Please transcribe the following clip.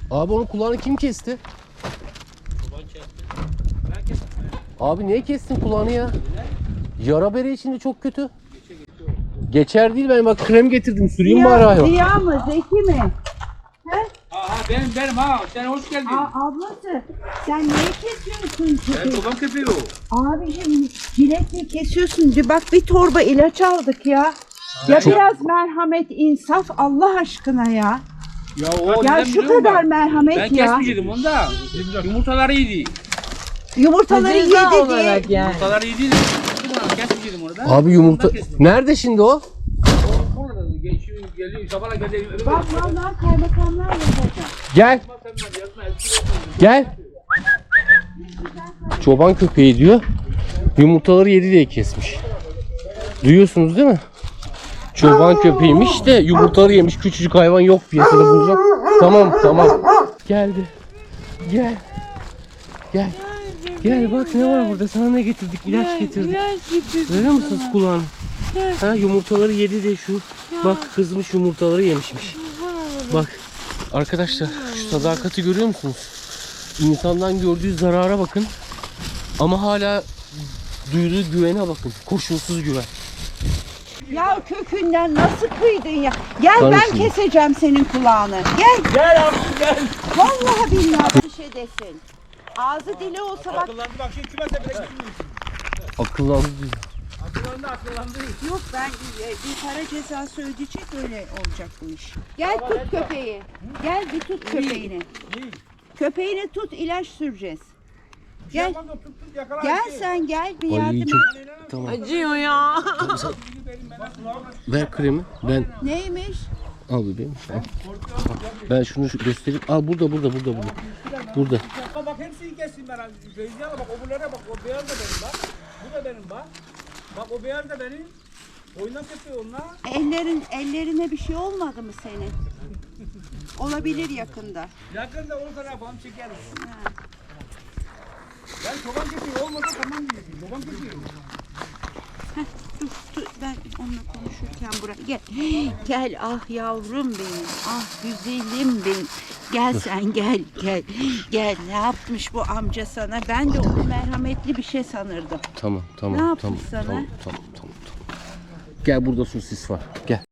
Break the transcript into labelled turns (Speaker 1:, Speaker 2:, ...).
Speaker 1: Abi onun kulağını kim kesti? Abi niye kestin kulağını ya? Yara bere içinde çok kötü. Geçer değil, ben bak krem getirdim, süreyim mi araya?
Speaker 2: Ziya mı? Zeki mi?
Speaker 3: Aha benim ha. Sen hoş geldin.
Speaker 2: Ablası sen niye kesiyorsun
Speaker 3: Ben
Speaker 2: köpeği?
Speaker 3: çoban köpeği o.
Speaker 2: Abicim jiletle kesiyorsun. Bak bir torba ilaç aldık ya. Ya biraz merhamet, insaf Allah aşkına ya.
Speaker 3: Ya o
Speaker 2: Ya
Speaker 3: neden
Speaker 2: şu
Speaker 3: biliyor musun
Speaker 2: kadar
Speaker 3: bak?
Speaker 2: merhamet
Speaker 3: Ben
Speaker 2: ya.
Speaker 3: kesmeyecektim onu da. Yumurtaları iyiydi.
Speaker 2: Yumurtaları yedi diye.
Speaker 3: Yumurtaları iyiydi. Kesmeyecektim onu da.
Speaker 1: Abi yumurta... Nerede şimdi o?
Speaker 3: Orada geçiyor, geliyor. Sabahla geliyor.
Speaker 2: Bak vallahi kaymakamlar yazacak.
Speaker 1: Gel. Gel. Çoban köpeği diyor. Yumurtaları yedi diye kesmiş. Duyuyorsunuz değil mi? Çoban köpeğiymiş de yumurtaları yemiş. Küçücük hayvan yok piyasada bulacak. Tamam. Geldi. Gel. Gel bak ne var burada. Sana ne getirdik? İlaç getirdik. Görüyor musunuz kulağını? Ha, yumurtaları yedi de şu. Bak kızmış, yumurtaları yemişmiş. Bak arkadaşlar, şu sadakati görüyor musunuz? İnsandan gördüğü zarara bakın. Ama hala duyduğu güvene bakın. Koşulsuz güven.
Speaker 2: Ya kökünden nasıl kıydın ya? Gel
Speaker 1: Karışın.
Speaker 2: ben keseceğim senin kulağını. Gel.
Speaker 3: Gel abi gel.
Speaker 2: Vallahi billahi bir şey desin. Ağzı dili olsa bak.
Speaker 3: Akıllandı bak şimdi kümese bile gitmiyorsun.
Speaker 1: Akıllandı diyor.
Speaker 3: Akıllandı.
Speaker 2: Yok ben bir para cezası ödeyecek, öyle olacak bu iş. Gel tut köpeği. Gel bir tut köpeğini. Köpeğini tut, ilaç süreceğiz. Gel. Gel sen gel bir yardım
Speaker 1: Ay
Speaker 2: et.
Speaker 1: çok tamam.
Speaker 4: Acıyor ya.
Speaker 1: Ver kremi. Ben
Speaker 2: Neymiş?
Speaker 1: al bebeğim. Al. Ben şunu göstereyim. Al burada. Burada.
Speaker 3: Bak hepsini kestim ben. Beyziyana bak, öbürlere bak. O beyaz da benim bak. Bu da benim bak. Bak o beyaz da benim. Oynak yapıyor onlar.
Speaker 2: Ellerine bir şey olmadı mı senin? Olabilir yakında.
Speaker 3: Yakında olsa ne yapalım, çekeriz. Ben çoban köpeği olmadı tamam diyeyim. Çoban köpeği.
Speaker 2: Dur ben onunla konuşurken buraya gel. Gel ah yavrum benim. Ah güzelim benim. Gel sen gel. Gel ne yapmış bu amca sana? Ben de onu merhametli bir şey sanırdım.
Speaker 1: Tamam.
Speaker 2: Ne yapmış sana?
Speaker 1: Tamam. Gel burada sosis var. Gel.